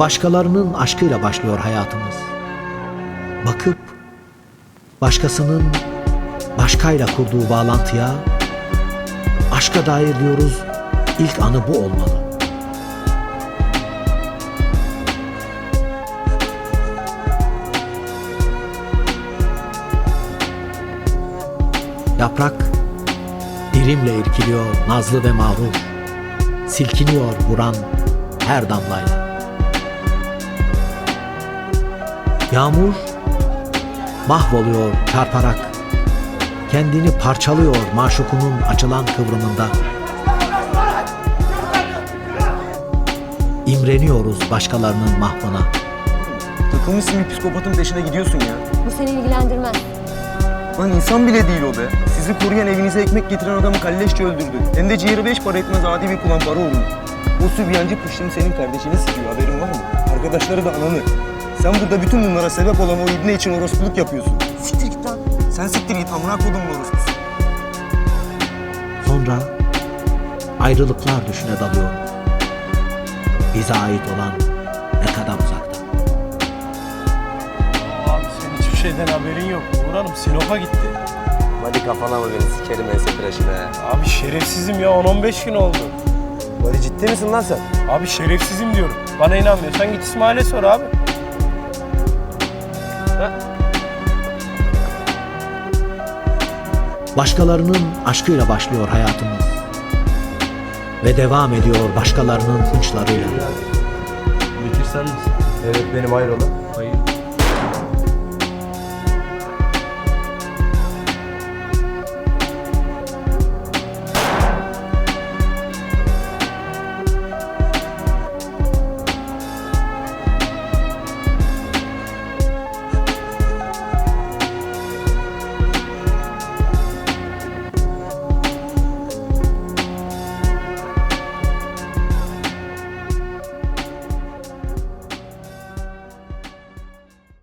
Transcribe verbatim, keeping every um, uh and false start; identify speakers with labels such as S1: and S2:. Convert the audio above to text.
S1: Başkalarının aşkıyla başlıyor hayatımız. Bakıp başkasının başkayla kurduğu bağlantıya aşka dair diyoruz, ilk anı bu olmalı. Yaprak dilimle irkiliyor nazlı ve mağrur, silkiniyor vuran her damlayla. Yağmur mahvoluyor çarparak, kendini parçalıyor maşukunun açılan kıvrımında. İmreniyoruz başkalarının mahvına.
S2: Takılmışsın bir psikopatın peşine gidiyorsun ya.
S3: Bu seni ilgilendirmez.
S2: Lan insan bile değil o be. Sizi koruyan, evinize ekmek getiren adamı kalleşçe öldürdü. Hem de ciğeri beş para etmez adi bir kulan para uğruna. O sübyancı pıştım senin kardeşini sikiyor, haberin var mı? Arkadaşları da ananı. Sen burada bütün bunlara sebep olan o ibne için orospuluk yapıyorsun. Siktir git lan. Sen siktir git, amına kodumun orospusu.
S1: Sonra ayrılıklar düşüne dalıyoruz. Bize ait olan ne kadar uzakta.
S4: Abi senin hiçbir şeyden haberin yok. Uğur Hanım Sinop'a gitti.
S5: Hadi kafana mı beni sikerim ense tıraşına.
S4: Abi şerefsizim ya, on on beş gün oldu.
S5: Hadi ciddi misin lan sen?
S4: Abi şerefsizim diyorum. Bana inanmıyorsan git İsmail'e sor abi. Ha?
S1: Başkalarının aşkıyla başlıyor hayatımız ve devam ediyor başkalarının hınçlarıyla.
S6: Bekir sen misin?
S5: Evet benim hayrola.
S6: Hayır.